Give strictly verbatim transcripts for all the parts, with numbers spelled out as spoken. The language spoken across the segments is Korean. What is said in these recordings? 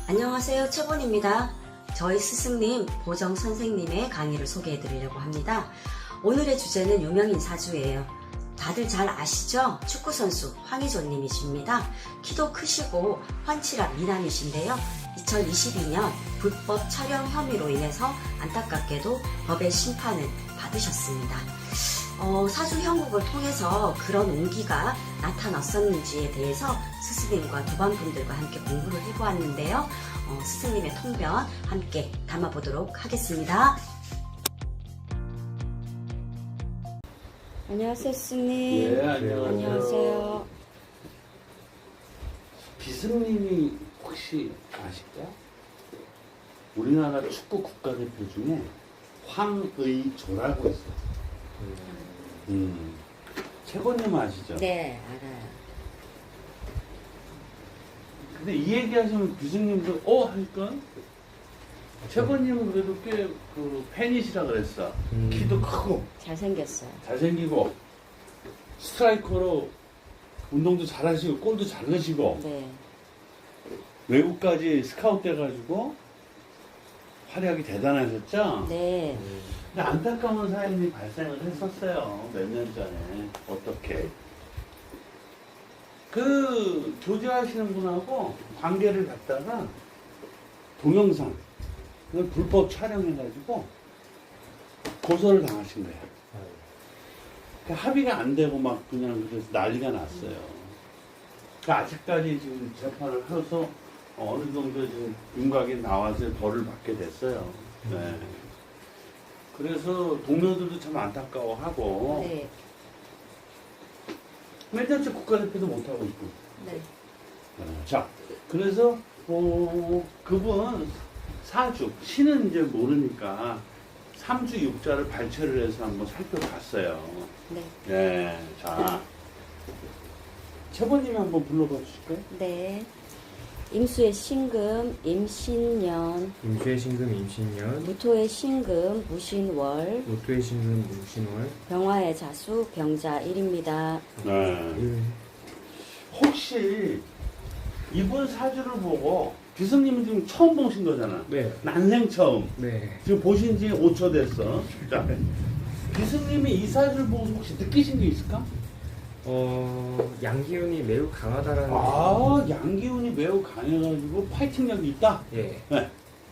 안녕하세요, 최본입니다. 저희 스승님 보정 선생님의 강의를 소개해 드리려고 합니다. 오늘의 주제는 유명인 사주예요. 다들 잘 아시죠? 축구선수 황의조님이십니다. 키도 크시고 환칠한 미남이신데요. 이천이십이 년 불법 촬영 혐의로 인해서 안타깝게도 법의 심판을 받으셨습니다. 어, 사주 형국을 통해서 그런 운기가 나타났었는지에 대해서 스승님과 도반분들과 함께 공부를 해보았는데요. 어, 스승님의 통변 함께 담아보도록 하겠습니다. 안녕하세요, 스승님. 예, 안녕하세요. 안녕하세요. 비승님이 혹시 아실까요? 우리나라 축구 국가대표 중에 황의조라고 있어요. 음. 최고님 아시죠? 네, 알아요. 근데 이 얘기 하시면 비승님도 어? 할까? 최고님은 그래도 꽤 그 팬이시라 그랬어. 음. 키도 크고 잘생겼어요. 잘생기고 스트라이커로 운동도 잘하시고 골도 잘 넣으시고 네. 외국까지 스카웃 돼가지고 활약이 대단하셨죠? 네. 근데 안타까운 사연이 발생을 했었어요. 몇 년 전에. 어떻게? 그 교제하시는 분하고 관계를 갖다가 동영상 그걸 불법 촬영해가지고 고소를 당하신 거예요. 그 합의가 안 되고 막 그냥 그래서 난리가 났어요. 그 아직까지 지금 재판을 해서 어느 정도 지금 윤곽이 나와서 벌을 받게 됐어요. 네. 그래서 동료들도 참 안타까워하고 네. 맨날째 국가대표도 못하고 있고. 네. 어, 자, 그래서 어, 그분 사주 신은 이제 모르니까 삼주 육자를 발췌를 해서 한번 살펴봤어요. 네. 네, 자 최보님이 한번 불러봐 주실까요? 네. 임수의 신금, 임신년, 임수의 신금 임신년, 무토의 신금, 무신월, 로또의 신금 무신월. 병화의 자수, 병자일입니다. 네. 음. 혹시 이분 사주를 보고 비승님은 지금 처음 보신 거잖아. 네. 난생 처음. 네. 지금 보신 지 오 초 됐어. 자, 비승님이 이 사주를 보고 혹시 느끼신 게 있을까? 어, 양기운이 매우 강하다라는. 아, 양기운이 매우 강해가지고 파이팅력이 있다. 예. 네.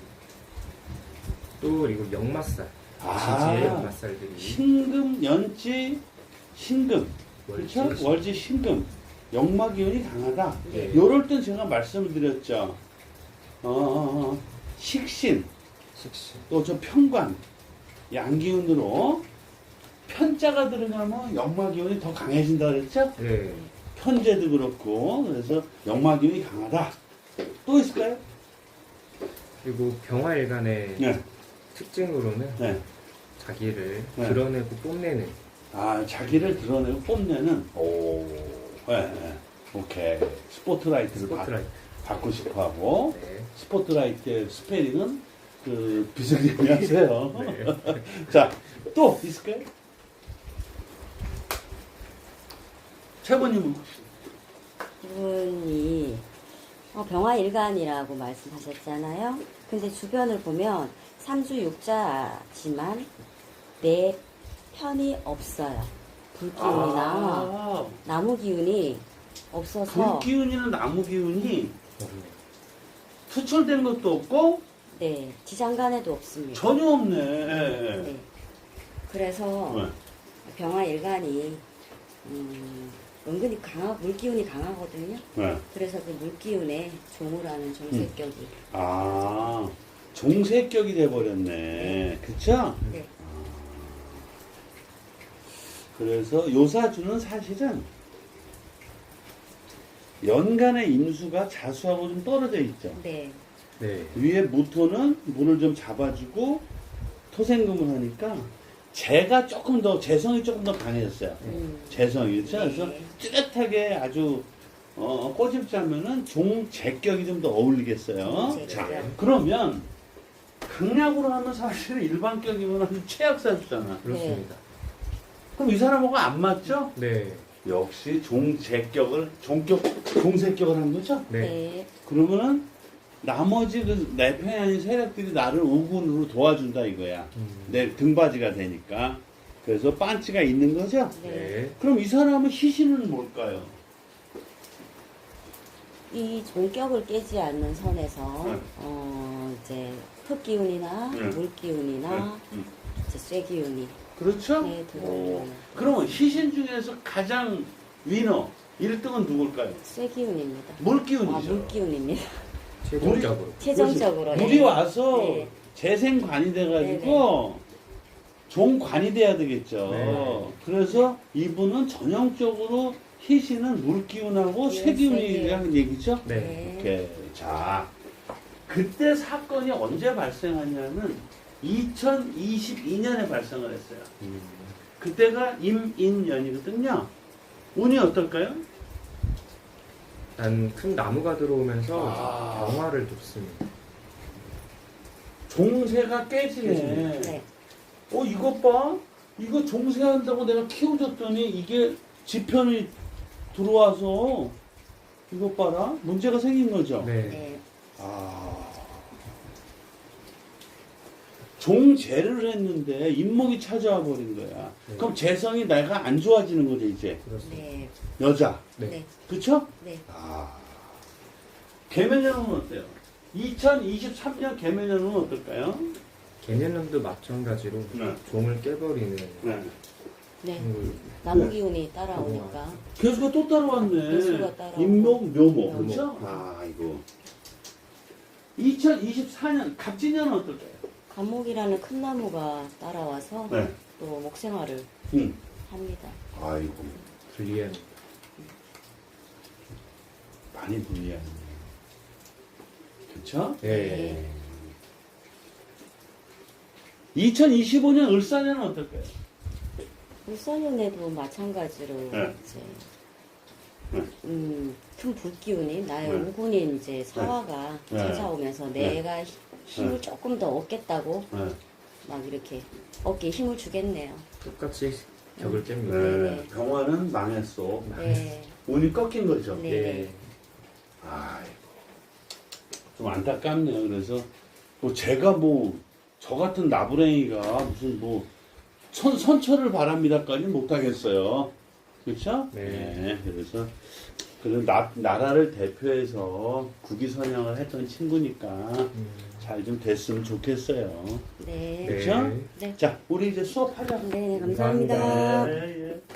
또 그리고 역마살. 아. 지지의 역마살들이. 신금, 연지, 신금. 월지, 그렇죠? 월지, 신금. 역마기운이 강하다. 네. 요럴 땐 제가 말씀을 드렸죠. 어, 식신, 식신. 또 저 편관, 양기운으로 편자가 들어가면 역마기운이 더 강해진다 그랬죠? 네. 편제도 그렇고, 그래서 역마기운이 강하다. 또 있을까요? 그리고 병화일간의 네. 특징으로는 네. 자기를 네. 드러내고 뽐내는. 아, 자기를 드러내고 뽐내는, 오, 네, 네. 오케이. 스포트라이트를 스포트라이트. 받, 받고 싶어 하고, 네. 스포트라이트의 스페링은 그 비승님이 하세요. 네. 자, 또 있을까요? 최고님은 혹시? 이분이 어, 병화일간이라고 말씀하셨잖아요. 근데 주변을 보면 삼주육자지만 내 편이 없어요. 불기운이나 아, 나무 기운이 없어서 불기운이나 나무 기운이 없네. 투철된 것도 없고 네, 지장간에도 없습니다. 전혀 없네. 네. 그래서 네. 병화일간이 음, 은근히 강하 물기운이 강하거든요. 네. 그래서 그 물기운에 종을 하는 종색격이 아, 종색격이 돼버렸네. 그쵸? 네. 그래서 요사주는 사실은 연간의 임수가 자수하고 좀 떨어져 있죠. 네. 네. 위에 무토는 물을 좀 잡아주고 토생금을 하니까 재가 조금 더, 재성이 조금 더 강해졌어요. 음. 재성이. 그렇죠? 네. 그래서 뚜렷하게 아주 어, 꼬집자면은 종재격이 좀 더 어울리겠어요. 종재격. 자, 그러면 강약으로 하면 사실은 일반격이면 아주 최악사주잖아. 그렇습니다. 그럼 이 사람하고 안 맞죠? 네. 역시 종재격을, 종격, 종색격을 한 거죠? 네. 네. 그러면은 나머지 그 내 편이 아닌 세력들이 나를 우군으로 도와준다 이거야. 음. 내 등받이가 되니까. 그래서 반치가 있는 거죠? 네. 네. 그럼 이 사람은 희신은 뭘까요? 이 종격을 깨지 않는 선에서 네. 어, 이제 흙 기운이나 네. 물 기운이나 음. 이제 쇠 기운이 그렇죠? 네, 오. 들어오는 그러면 희신 중에서 가장 위너 일 등은 누굴까요? 쇠 기운입니다. 물 아, 기운이죠. 물 기운입니다. 최종적으로. 최종적으로 물이 예. 와서 네. 재생관이 돼가지고 종관이 돼야 되겠죠. 네. 그래서 이분은 전형적으로 희신은 물 기운하고 네, 쇠 기운이라는 얘기죠. 네. 네. 이렇게 자 그때 사건이 언제 발생하냐면 이천이십이 년에 발생을 했어요. 음. 그때가 임인년이거든요. 운이 어떨까요? 한 큰 나무가 들어오면서 아. 병화를 줬습니다. 종세가 깨지네. 깨지네. 네. 어 이것 봐. 이거 종세한다고 내가 키워줬더니 이게 지편이 들어와서 이것 봐라. 문제가 생긴 거죠. 네. 네. 아. 종재를 했는데 인목이 찾아와 버린 거야. 네. 그럼 재성이 내가 안 좋아지는 거죠 이제. 그렇습니다. 네. 여자. 네. 네. 그쵸? 네. 아. 개면연은 어때요? 이천이십삼 년 개면연은 어떨까요? 개년년도 마찬가지로 네. 종을 깨버리는 네. 네. 걸 나무 기운이 따라오니까 개수가 또 따라왔네. 개수가 따라오고. 인목, 묘목. 묘목. 그렇죠? 아, 이거. 이천이십사 년 갑진년은 어떨까요? 감목이라는 큰 나무가 따라와서 네. 또 목생활을 응. 합니다. 아이고. 불리한. 많이 불리하네. 그쵸? 네. 이천이십오 년 을사년은 어떨까요? 울산연에도 마찬가지로 네. 이제 네. 음, 큰 불기운이 나의 네. 우군인 이제 사화가 네. 찾아오면서 내가 히- 힘을 네. 조금 더 얻겠다고 네. 막 이렇게 어깨에 힘을 주겠네요. 똑같이 벽을 깹니다. 네. 네. 병화는 망했어. 네. 운이 꺾인 거죠. 네. 네. 아이고. 좀 안타깝네요. 그래서 뭐 제가 뭐 저 같은 나부랭이가 무슨 뭐 선, 선처를 바랍니다까지 못하겠어요. 그렇죠? 네. 그래서 그런 나, 나라를 대표해서 국위선양을 했던 친구니까 음. 잘 좀 됐으면 좋겠어요. 네. 네. 그렇죠? 네. 자, 우리 이제 수업하자. 네, 감사합니다. 감사합니다. 네, 예.